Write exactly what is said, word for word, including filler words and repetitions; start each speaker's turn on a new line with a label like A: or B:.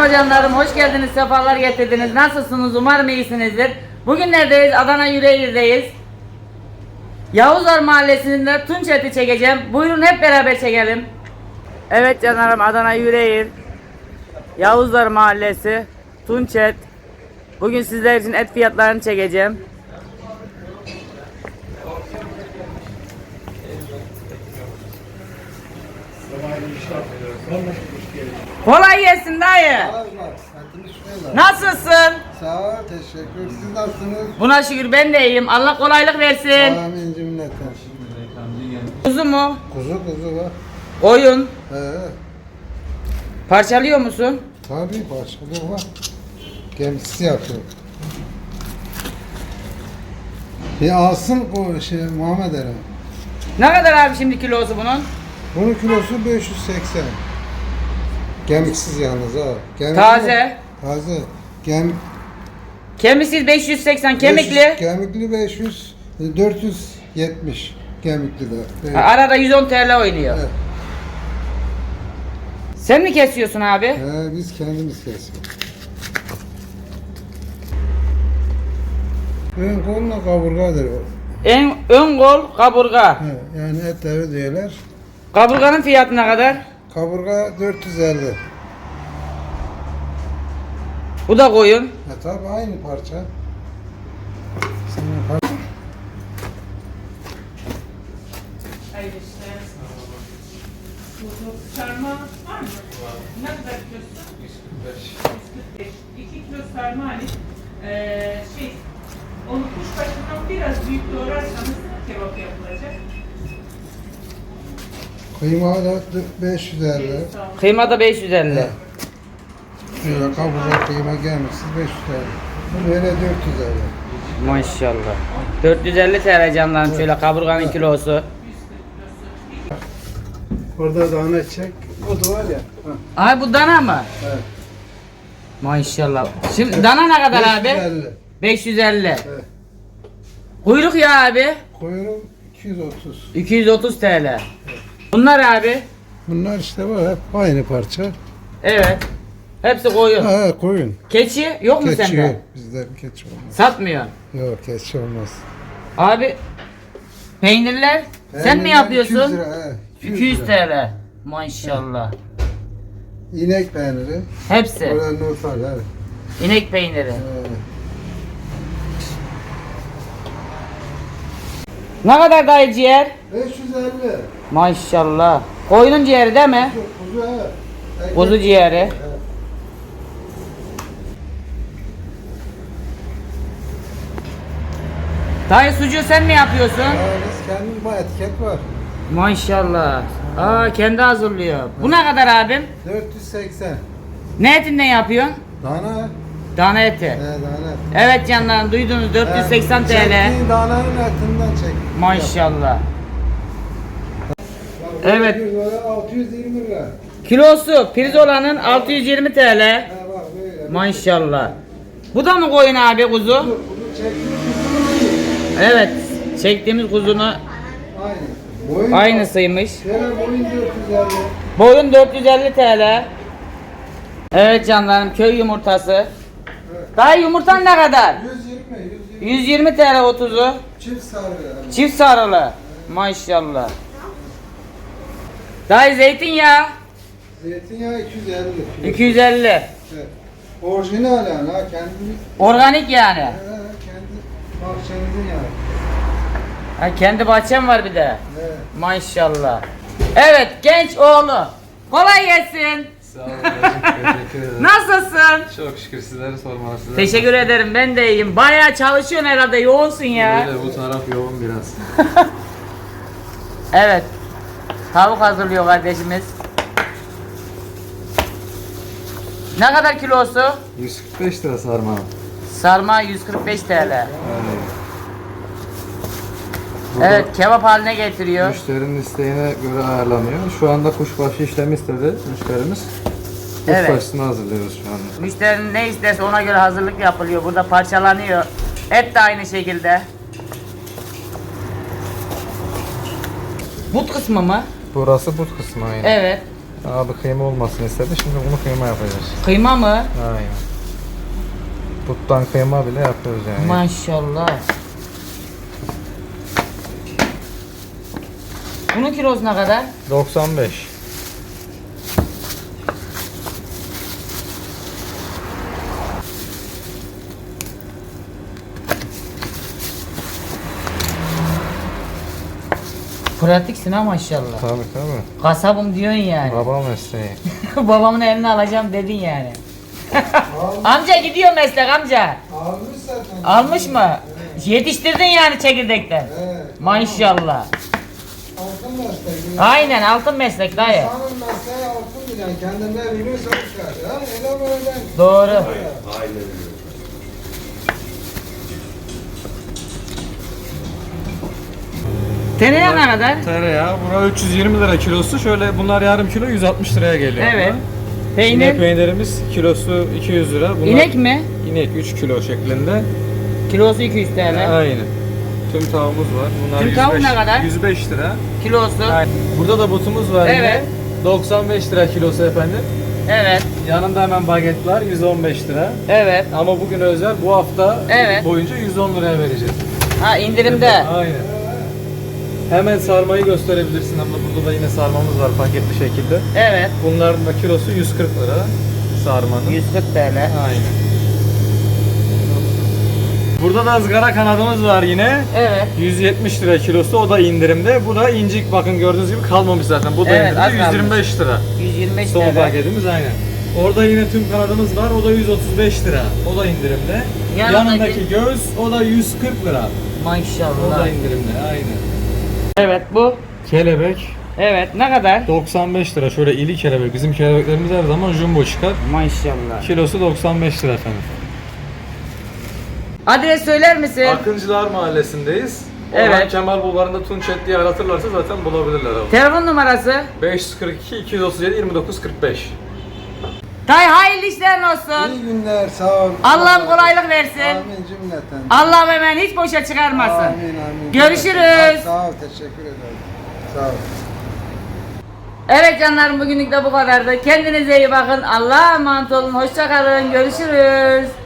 A: Merhaba canlarım, hoş geldiniz, sefalar getirdiniz. Nasılsınız? Umarım iyisinizdir. Bugün neredeyiz? Adana Yüreğir'deyiz. Yavuzlar Mahallesi'nde tunç eti çekeceğim. Buyurun hep beraber çekelim. Evet canlarım, Adana Yüreğir, Yavuzlar Mahallesi, tunç et. Bugün sizler için et fiyatlarını çekeceğim. Kolay gelsin dayı. Nasılsın?
B: Sağ ol, teşekkür. Siz nasılsınız?
A: Buna şükür ben de iyiyim. Allah kolaylık versin.
B: Amin cümleten.
A: Kuzu mu?
B: Kuzu kuzu var.
A: Koyun.
B: He,
A: Parçalıyor musun?
B: tabii başka var. Gemisi yapıyor. Bir alsın o şey Muhammed Eren.
A: Ne kadar abi şimdi kilosu bunun?
B: Bunun kilosu beş yüz seksen. Gemiksiz yalnız ha. Gemikli-
A: Taze.
B: Taze. Gem
A: Kemiksiz beş yüz seksen,
B: beş yüz,
A: kemikli.
B: kemikli beş yüz, dört yüz yetmiş. Kemikli de. Evet.
A: Ha, arada yüz on T L oynuyor.
B: Evet.
A: Sen mi kesiyorsun abi?
B: He, biz kendimiz kesiyoruz. Ön koluna kaburgadır o.
A: En ön kol kaburga.
B: He, yani etleri diyorlar.
A: Kaburganın fiyatı ne kadar?
B: Kaburga dört yüz elli.
A: Bu da koyun.
B: E tabi aynı parça. Sana parça.
C: Sarma var mı? Ne kadar kilosu? yüz kırk beş. yüz kırk beş. iki kilo sarma hani ee, şey onu kuşbaşından biraz büyük doğrarsanız kebap yapılacak.
B: Kıyma da beş yüz elli.
C: Sağ olun.
A: Kıyma da beş yüz elli.
B: Şöyle kaburga kıyma gelmişsiz beş yüz elli. Bu böyle dört yüz elli.
A: Maşallah. dört yüz elli T L canlarım, şöyle kaburganın kilosu.
B: Orada dana çek. O da var ya. Ha.
A: Ay bu dana mı?
B: Evet.
A: Maşallah. Şimdi dana ne kadar abi?
B: beş yüz elli.
A: beş yüz elli.
B: Evet.
A: Kuyruk ya abi.
B: Kuyruğum iki yüz otuz.
A: iki yüz otuz T L. Bunlar abi.
B: Bunlar işte var hep aynı parça.
A: Evet. Hepsi koyun.
B: Ha koyun.
A: Keçi yok mu
B: Keçi
A: sende?
B: yok. Bizde keçi olmaz.
A: Satmıyor.
B: Yok keçi olmaz.
A: Abi peynirler sen mi
B: Peynirler
A: yapıyorsun?
B: iki yüz lira, he,
A: iki yüz T L. Maşallah.
B: İnek peyniri.
A: Hepsi.
B: Orada not var. Evet.
A: İnek peyniri.
B: Ee,
A: Ne kadar dayı ciğer?
B: beş yüz elli.
A: Maşallah. Koyunun ciğeri değil mi?
B: Kuzu evet. Ekmek-
A: Kuzu ciğeri.
B: Evet.
A: Dayı sucuğu sen mi yapıyorsun?
B: Ya biz kendimiz bu etiket var.
A: Maşallah. Aa kendi hazırlıyor. Bu ne kadar abim?
B: dört yüz seksen.
A: Ne etinden yapıyorsun?
B: Dana.
A: Dana eti.
B: He dana.
A: Evet canlarım, duydunuz, dört yüz seksen T L.
B: Çektiğin dananın etinden çek.
A: Maşallah.
B: Bak,
A: Evet.
B: altı yüz yirmi lira.
A: Kilosu pirzolanın altı yüz yirmi T L.
B: He bak böyle.
A: Maşallah. Bu da mı koyun abi kuzu?
B: Bunu çektiğin kuzu
A: Evet. Çektiğimiz kuzunu
B: aynı. Boyun
A: aynısıymış.
B: Şöyle boyun dört yüz elli.
A: Boyun dört yüz elli T L. Evet canlarım, köy yumurtası. Dayı yumurtan ne kadar?
B: yüz yirmi, yüz yirmi.
A: yüz yirmi T L otuzu.
B: Çift sarı yani.
A: Çift sarılı. Maşallah. Dayı zeytinyağı
B: Zeytinyağı iki yüz elli.
A: iki yüz elli.
B: Evet. Orijinal yani ha kendimiz.
A: Organik yani.
B: He, kendi bahçemizin yani.
A: Ha, kendi bahçem var bir de.
B: Evet.
A: Maşallah. Evet, genç oğlu. Kolay gelsin.
D: Sağ olun hocam, teşekkür ederim.
A: Nasılsın?
D: Çok şükür sizleri sormalı size.
A: Teşekkür ederim, ben de iyiyim. Bayağı çalışıyorsun herhalde, yoğunsun ya.
D: Böyle bu taraf yoğun biraz.
A: Evet. Tavuk hazırlıyor kardeşimiz. Ne kadar kilosu?
D: yüz kırk beş lira sarma.
A: Sarma yüz kırk beş T L.
D: Yani. Burada
A: Evet, kebap haline getiriyor.
D: müşterinin isteğine göre ayarlanıyor. Şu anda kuşbaşı işlemi istedi müşterimiz.
A: Evet.
D: Kuşbaşısını hazırlıyoruz şu anda.
A: Müşterinin ne isterse ona göre hazırlık yapılıyor. Burada parçalanıyor. Et de aynı şekilde. But kısmı mı?
D: Burası but kısmı aynı.
A: Evet.
D: Abi kıyma olmasını istedi. Şimdi bunu kıyma yapacağız.
A: Kıyma mı?
D: Aynen. Buttan kıyma bile yapıyoruz yani.
A: Maşallah. Bunun kilosu ne kadar?
D: doksan beş.
A: Pratiksin ha maşallah.
D: Tabii tabii.
A: Kasabım diyorsun yani.
D: Baba mesleği.
A: Babamın elini alacağım dedin yani.
B: Almış,
A: Amca gidiyor meslek amca.
B: almış zaten.
A: Almış mı? Yetiştirdin yani çekirdekten.
B: Evet.
A: Maşallah.
B: Altın meslek.
A: Aynen altın meslek dayı.
B: İnsanın mesleği altın bilen. Kendinden biliyorsa çıkar. Ha? Öyle böyle.
A: Doğru. Tereyağı ne kadar?
D: Tereyağı. Bura üç yüz yirmi lira kilosu. Şöyle bunlar yarım kilo yüz altmış liraya geliyor.
A: Evet.
D: İnek
A: Peynir.
D: peynirimiz kilosu iki yüz lira. Bunlar
A: İnek mi?
D: İnek üç kilo şeklinde.
A: Kilosu iki yüz T L.
D: Aynen. Tüm tavuğumuz var. Bunlar
A: Tüm tavuk
D: yüz beş
A: ne kadar?
D: yüz beş lira.
A: Kilosu.
D: Aynen. Burada da butumuz var
A: Evet.
D: yine. doksan beş lira kilosu efendim.
A: Evet.
D: Yanında hemen baget var yüz on beş lira.
A: Evet.
D: Ama bugün özel bu hafta
A: Evet.
D: boyunca yüz on liraya vereceğiz.
A: Ha indirimde.
D: Aynen. Hemen sarmayı gösterebilirsin ama burada da yine sarmamız var paketli şekilde.
A: Evet.
D: Bunların da kilosu yüz kırk lira sarmanın.
A: yüz kırk T L.
D: Aynen. Burada da ızgara kanadımız var yine.
A: Evet.
D: yüz yetmiş lira kilosu, o da indirimde. Bu da incik, bakın gördüğünüz gibi kalmamış zaten. Bu da
A: Evet, az
D: indirimde yüz yirmi beş lira.
A: yüz yirmi beş
D: Son
A: T L.
D: paketimiz aynen. Orada yine tüm kanadımız var. O da yüz otuz beş lira. O da indirimde.
A: Yanındaki-
D: Yanındaki göğüs, o da yüz kırk lira. O da
A: Maşallah.
D: indirimde. Aynen.
A: Evet bu.
D: Kelebek
A: Evet ne kadar?
D: doksan beş lira. Şöyle ili kelebek. Bizim kelebeklerimiz her zaman jumbo çıkar.
A: Maşallah.
D: Kilosu doksan beş lira efendim.
A: Adres söyler misin?
D: Akıncılar Mahallesi'ndeyiz.
A: Evet.
D: Orhan Kemal Bulvarı'nda Tunçet diye aratırlarsa zaten bulabilirler abi.
A: Telefon numarası?
D: beş yüz kırk iki iki yüz otuz yedi yirmi dokuz kırk beş.
A: Dayı hayırlı işlerin olsun.
B: İyi günler. Sağ ol.
A: Allah'ım kolaylık versin.
B: Amin cümleten.
A: Allah'ım hemen hiç boşa çıkarmasın.
B: Amin amin.
A: Görüşürüz.
B: Sağ ol. Teşekkür ederim. Sağ ol.
A: Evet canlarım bugünlük de bu kadardı. Kendinize iyi bakın. Allah'a emanet olun. Hoşça kalın. Görüşürüz.